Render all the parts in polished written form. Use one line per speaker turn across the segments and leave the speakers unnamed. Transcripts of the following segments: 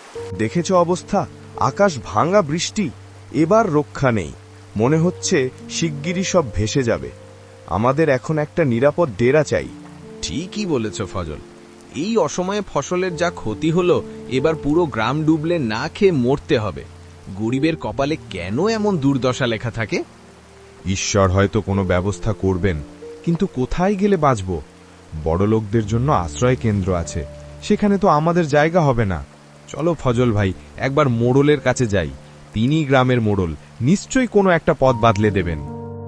দেখেছ অবস্থা, আকাশ ভাঙা বৃষ্টি, এবার রক্ষা নেই। মনে হচ্ছে শিগগিরই সব ভেসে যাবে। আমাদের এখন একটা নিরাপদ ডেরা চাই।
ঠিকই বলেছ ফজল, এই অসময়ে ফসলের যা ক্ষতি হলো, এবার পুরো গ্রাম ডুবলে না খেয়ে মরতে হবে। গরিবের কপালে কেন এমন দুর্দশা লেখা থাকে?
ঈশ্বর হয়তো কোনো ব্যবস্থা করবেন, কিন্তু কোথায় গেলে বাঁচব? বড়লোকদের জন্য আশ্রয় কেন্দ্র আছে, সেখানে তো আমাদের জায়গা হবে না। চলো ফজল ভাই, একবার মোড়লের কাছে যাই। তিনি গ্রামের মোড়ল, নিশ্চয়ই কোনো একটা পথ বাদলে দেবেন।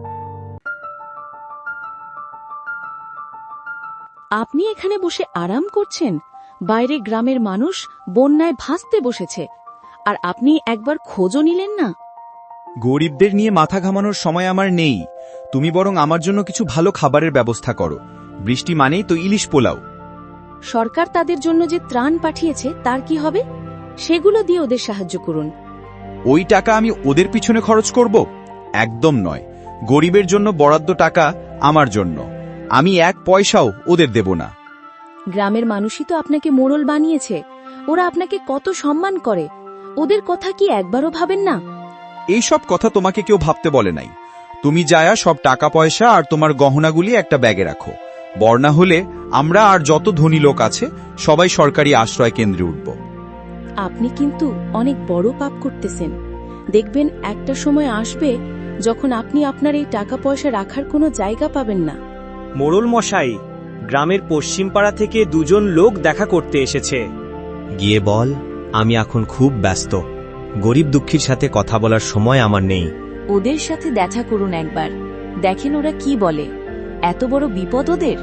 আপনি এখানে বসে আরাম করছেন? বাইরে গ্রামের মানুষ বন্যায় ভাসতে বসেছে, আর আপনি একবার খোঁজও নিলেন না?
গরিবদের নিয়ে মাথা ঘামানোর সময় আমার নেই। তুমি বরং আমার জন্য কিছু ভালো খাবারের ব্যবস্থা করো। বৃষ্টি মানেই তো ইলিশ পোলাও।
সরকার তাদের জন্য যে ত্রাণ পাঠিয়েছে তার কি হবে? সেগুলো দিয়ে ওদের সাহায্য করুন।
ওই টাকা আমি ওদের পিছনে খরচ করব? একদম নয়। গরিবের জন্য বরাদ্দ টাকা আমার জন্য, আমি এক পয়সাও ওদের দেব না।
গ্রামের মানুষই তো আপনাকে মোড়ল বানিয়েছে, ওরা আপনাকে কত সম্মান করে। ওদের কথা কি একবারও ভাবেন না?
এইসব কথা তোমাকে কেউ ভাবতে বলে নাই। তুমি যায়া সব টাকা পয়সা আর তোমার গহনাগুলি একটা ব্যাগে রাখো। বন্যা হলে আমরা আর যত ধনী লোক আছে সবাই সরকারি আশ্রয় কেন্দ্রে উঠব।
আপনি কিন্তু অনেক বড় পাপ করতেছেন। দেখবেন একটা সময় আসবে যখন আপনি আপনার এই টাকা পয়সা রাখার কোনো জায়গা পাবেন না।
মোড়ল মশাই, গ্রামের পশ্চিম পাড়া থেকে দুজন লোক দেখা করতে এসেছে।
গিয়ে বল আমি এখন খুব ব্যস্ত, গরিব দুঃখীর সাথে কথা বলার সময় আমার নেই।
ওদের সাথে দেখা করুন একবার, দেখেন ওরা কি বলে। এত বড় বিপদ ওদের।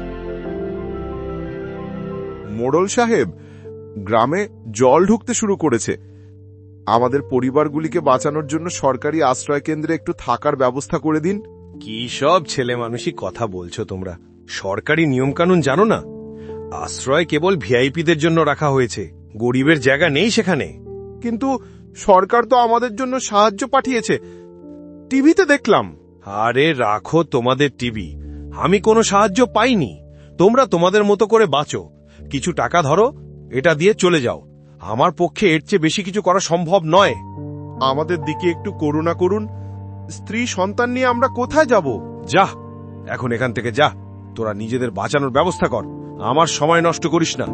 মোড়ল সাহেব, গ্রামে জল ঢুকতে শুরু করেছে। আমাদের পরিবারগুলিকে বাঁচানোর জন্য সরকারি আশ্রয় কেন্দ্রে একটু থাকার ব্যবস্থা করে দিন।
কি সব ছেলে মানুষই কথা বলছো তোমরা? সরকারি নিয়মকানুন জানো না? আশ্রয় কেবল ভিআইপিদের জন্য রাখা হয়েছে, গরিবের জায়গা নেই সেখানে।
কিন্তু সরকার তো আমাদের জন্য সাহায্য পাঠিয়েছে, টিভিতে দেখলাম।
আরে রাখো তোমাদের টিভি, আমি কোনো সাহায্য পাইনি। তোমরা তোমাদের মতো করে বাঁচো, কিছু টাকা ধরো, এটা দিয়ে চলে যাও। আমার পক্ষে এর চেয়ে বেশি কিছু করা সম্ভব নয়।
আমাদের দিকে একটু করুণা করুন। স্ত্রী সন্তান নিয়ে আমরা কোথায় যাব?
যা, এখন এখান থেকে যা। তোরা নিজেদের বাঁচানোর ব্যবস্থা কর, আমার সময় নষ্ট করিস না।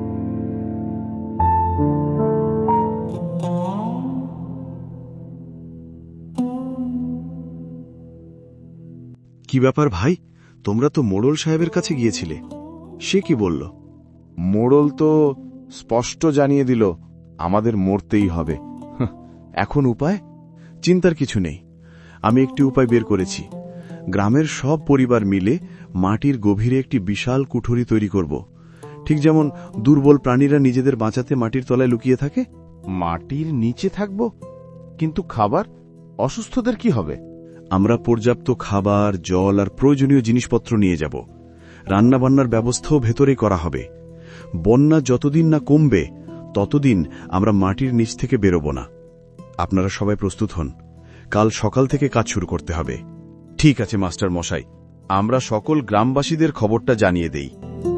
কি ব্যাপার ভাই, তোমরা তো মোড়ল সাহেবের কাছে গিয়েছিলে, সে কি বলল?
মোড়ল তো স্পষ্ট জানিয়ে দিল আমাদের মরতেই হবে।
এখন উপায়? চিন্তার কিছু নেই, আমি একটি উপায় বের করেছি। গ্রামের সব পরিবার মিলে মাটির গভীরে একটি বিশাল কুঠুরি তৈরি করব, ঠিক যেমন দুর্বল প্রাণীরা নিজেদের বাঁচাতে মাটির তলায় লুকিয়ে থাকে।
মাটির নিচে থাকব? কিন্তু খাবার? অসুস্থদের কি হবে?
আমরা পর্যাপ্ত খাবার, জল আর প্রয়োজনীয় জিনিসপত্র নিয়ে যাব। রান্নাবান্নার ব্যবস্থাও ভেতরেই করা হবে। বন্যা যতদিন না কমবে ততদিন আমরা মাটির নিচ থেকে বেরোব না। আপনারা সবাই প্রস্তুত হন, কাল সকাল থেকে কাজ শুরু করতে হবে।
ঠিক আছে মাস্টার মশাই, আমরা সকল গ্রামবাসীদের খবরটা জানিয়ে দেই।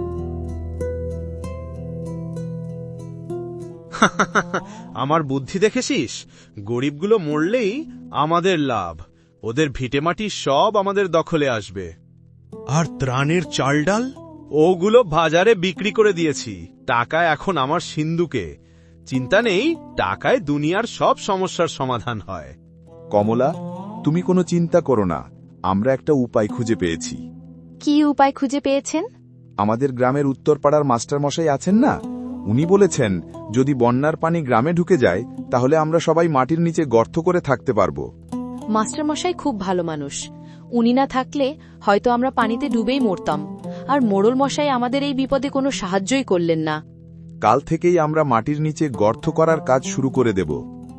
আমার বুদ্ধি দেখেছিস? গরিবগুলো মরলেই আমাদের লাভ, ওদের ভিটেমাটি সব আমাদের দখলে আসবে।
আর ত্রাণের চাল ডাল?
ওগুলো বাজারে বিক্রি করে দিয়েছি, টাকা এখন আমার সিন্ধুকে। চিন্তা নেই, টাকায় দুনিয়ার সব সমস্যার সমাধান হয়।
কমলা, তুমি কোনো চিন্তা করো না, আমরা একটা উপায় খুঁজে পেয়েছি।
কি উপায় খুঁজে পেয়েছেন?
আমাদের গ্রামের উত্তরপাড়ার মাস্টারমশাই আছেন না, উনি বলেছেন যদি বন্যার পানি গ্রামে ঢুকে যায় তাহলে আমরা সবাই মাটির নিচে গর্ত করে থাকতে পারবো।
মাস্টারমশাই খুব ভালো মানুষ, উনি না থাকলে হয়তো আমরা পানিতে ডুবেই মরতাম। আর মোড়ল মশাই আমাদের এই বিপদে কোনো সাহায্যই করলেন না।
কাল থেকেই আমরা মাটির নিচে গর্ত করার কাজ শুরু করে দেব।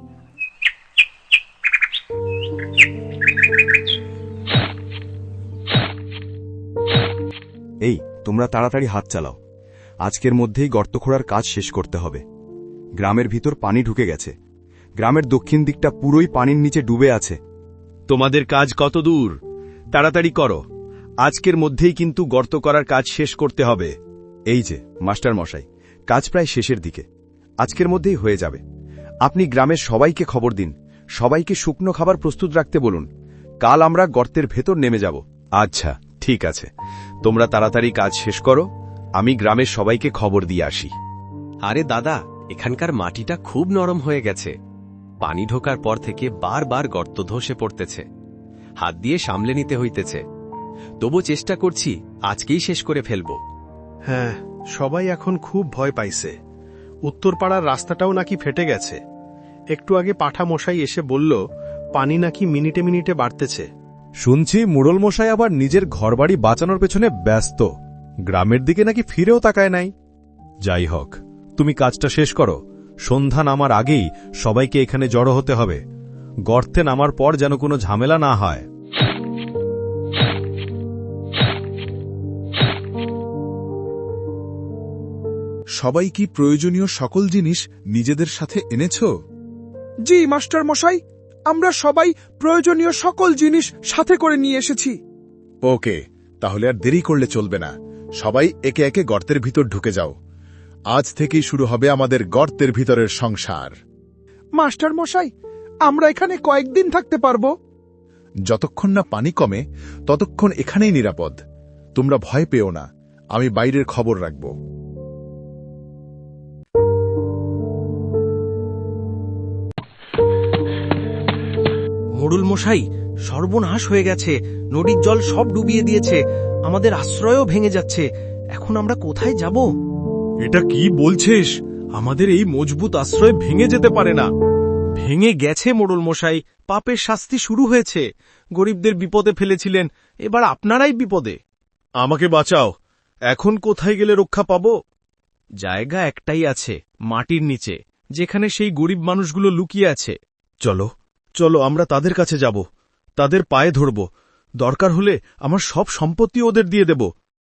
এই, তোমরা তাড়াতাড়ি হাত চালাও, আজকের মধ্যেই গর্ত খোঁড়ার কাজ শেষ করতে হবে। গ্রামের ভিতর পানি ঢুকে গেছে, গ্রামের দক্ষিণ দিকটা পুরোই পানির নিচে ডুবে আছে।
তোমাদের কাজ কত দূর? তাড়াতাড়ি করো, আজকের মধ্যেই কিন্তু গর্ত করার কাজ শেষ করতে হবে।
এই যে মাস্টার মশাই, কাজ প্রায় শেষের দিকে,
আজকের মধ্যেই হয়ে যাবে। আপনি গ্রামের সবাইকে খবর দিন, সবাইকে শুকনো খাবার প্রস্তুত রাখতে বলুন। কাল আমরা গর্তের ভেতর নেমে যাব।
আচ্ছা, ঠিক আছে, তোমরা তাড়াতাড়ি কাজ শেষ করো, আমি গ্রামের সবাইকে খবর দিয়ে আসি।
আরে দাদা, এখানকার মাটিটা খুব নরম হয়ে গেছে। পানি ঢোকার পর থেকে বারবার গর্ত ধসে পড়তেছে, হাত দিয়ে সামলে নিতে হইতেছে। তবু চেষ্টা করছি আজকেই শেষ করে ফেলব।
হ্যাঁ, সবাই এখন খুব ভয় পাইছে। উত্তরপাড়ার রাস্তাটাও নাকি ফেটে গেছে। একটু আগে পাঠা মশাই এসে বলল পানি নাকি মিনিটে মিনিটে বাড়তেছে।
শুনছি মুরল মশাই আবার নিজের ঘরবাড়ি বাঁচানোর পেছনে ব্যস্ত, গ্রামের দিকে নাকি ফিরেও তাকায় নাই। যাই হোক, তুমি কাজটা শেষ করো, সন্ধ্যা নামার আগেই সবাইকে এখানে জড়ো হতে হবে। গর্তে নামার পর যেন কোনো ঝামেলা না হয়।
সবাই কি প্রয়োজনীয় সকল জিনিস নিজেদের সাথে এনেছ?
জি মাস্টার মশাই, আমরা সবাই প্রয়োজনীয় সকল জিনিস সাথে করে নিয়ে এসেছি।
ওকে, তাহলে আর দেরি করলে চলবে না। সবাই একে একে গর্তের ভিতর ঢুকে যাও। আজ থেকেই শুরু হবে আমাদের গর্তের ভিতরের সংসার।
মাস্টার মশাই, আমরা এখানে কয়েকদিন থাকতে পারবো?
যতক্ষণ না পানি কমে ততক্ষণ এখানেই নিরাপদ। তোমরা ভয় পেও না, আমি বাইরের খবর রাখব।
মোড়ল মশাই, সর্বনাশ হয়ে গেছে, নদীর জল সব ডুবিয়ে দিয়েছে, আমাদের আশ্রয়ও ভেঙে যাচ্ছে। এখন আমরা কোথায় যাব?
এটা কি বলছিস? আমাদের এই মজবুত আশ্রয় ভেঙে যেতে পারে না।
ভেঙে গেছে মোড়ল মশাই, পাপের শাস্তি শুরু হয়েছে। গরিবদের বিপদে ফেলেছিলেন, এবার আপনারাই বিপদে।
আমাকে বাঁচাও, এখন কোথায় গেলে রক্ষা পাব?
জায়গা একটাই আছে, মাটির নিচে, যেখানে সেই গরিব মানুষগুলো লুকিয়ে আছে।
চলো চলো, আমরা তাদের কাছে যাব, তাদের পায়ে ধরব, দরকার হলে আমার সব সম্পত্তি ওদের দিয়ে দেব।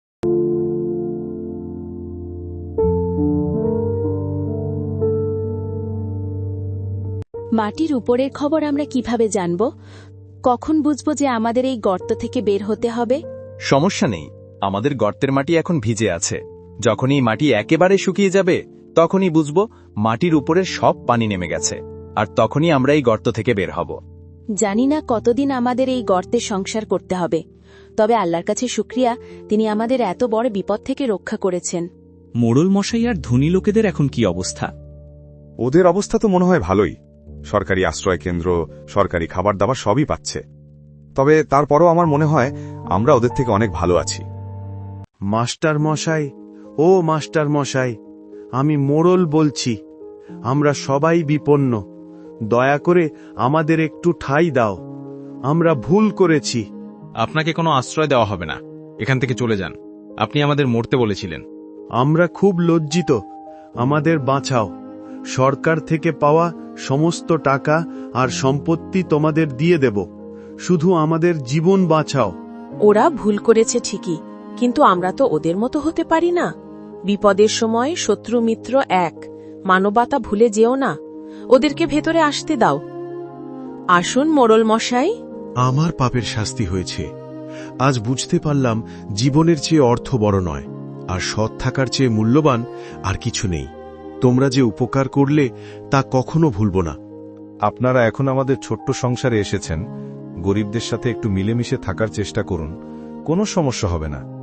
মাটির উপরের খবর আমরা কিভাবে জানব? কখন বুঝব যে আমাদের এই গর্ত থেকে বের হতে হবে?
সমস্যা নেই, আমাদের গর্তের মাটি এখন ভিজে আছে। যখনই মাটি একেবারে শুকিয়ে যাবে তখনই বুঝব মাটির উপরের সব পানি নেমে গেছে, আর তখনই আমরা এই গর্ত থেকে বের হব।
জানি না কতদিন আমাদের এই গর্তে সংসার করতে হবে, তবে আল্লাহর কাছে শুকরিয়া, তিনি আমাদের এত বড় বিপদ থেকে রক্ষা করেছেন।
মোড়ল মশাই আর ধনী লোকেদের এখন কি অবস্থা?
ওদের অবস্থা তো মনে হয় ভালোই, সরকারি আশ্রয় কেন্দ্র, সরকারি খাবার দাবার সবই পাচ্ছে। তবে তারপরও আমার মনে হয় আমরা ওদের থেকে অনেক ভালো আছি।
মাস্টার মশাই, ও মাস্টার মশাই, আমি মোড়ল বলছি। আমরা সবাই বিপন্ন, দয়া করে আমাদের একটু ঠাঁই দাও। আমরা ভুল করেছি।
আপনাকে কোনো আশ্রয় দেওয়া হবে না, এখান থেকে চলে যান। আপনি আমাদের মরতে বলেছিলেন।
আমরা খুব লজ্জিত, আমাদের বাঁচাও। সরকার থেকে পাওয়া সমস্ত টাকা আর সম্পত্তি তোমাদের দিয়ে দেব, শুধু আমাদের জীবন বাঁচাও।
ওরা ভুল করেছে ঠিকই, কিন্তু আমরা তো ওদের মতো হতে পারি না। বিপদের সময় শত্রু মিত্র এক, মানবতা ভুলে যেও না। ওদেরকে ভেতরে আসতে দাও। আসুন মোড়ল মশাই।
আমার পাপের শাস্তি হয়েছে। আজ বুঝতে পারলাম জীবনের চেয়ে অর্থ বড় নয়, আর সৎ থাকার চেয়ে মূল্যবান আর কিছু নেই। তোমরা যে উপকার করলে তা কখনো ভুলব না।
আপনারা এখন আমাদের ছোট্ট সংসারে এসেছেন, গরিবদের সাথে একটু মিলেমিশে থাকার চেষ্টা করুন, কোনো সমস্যা হবে না।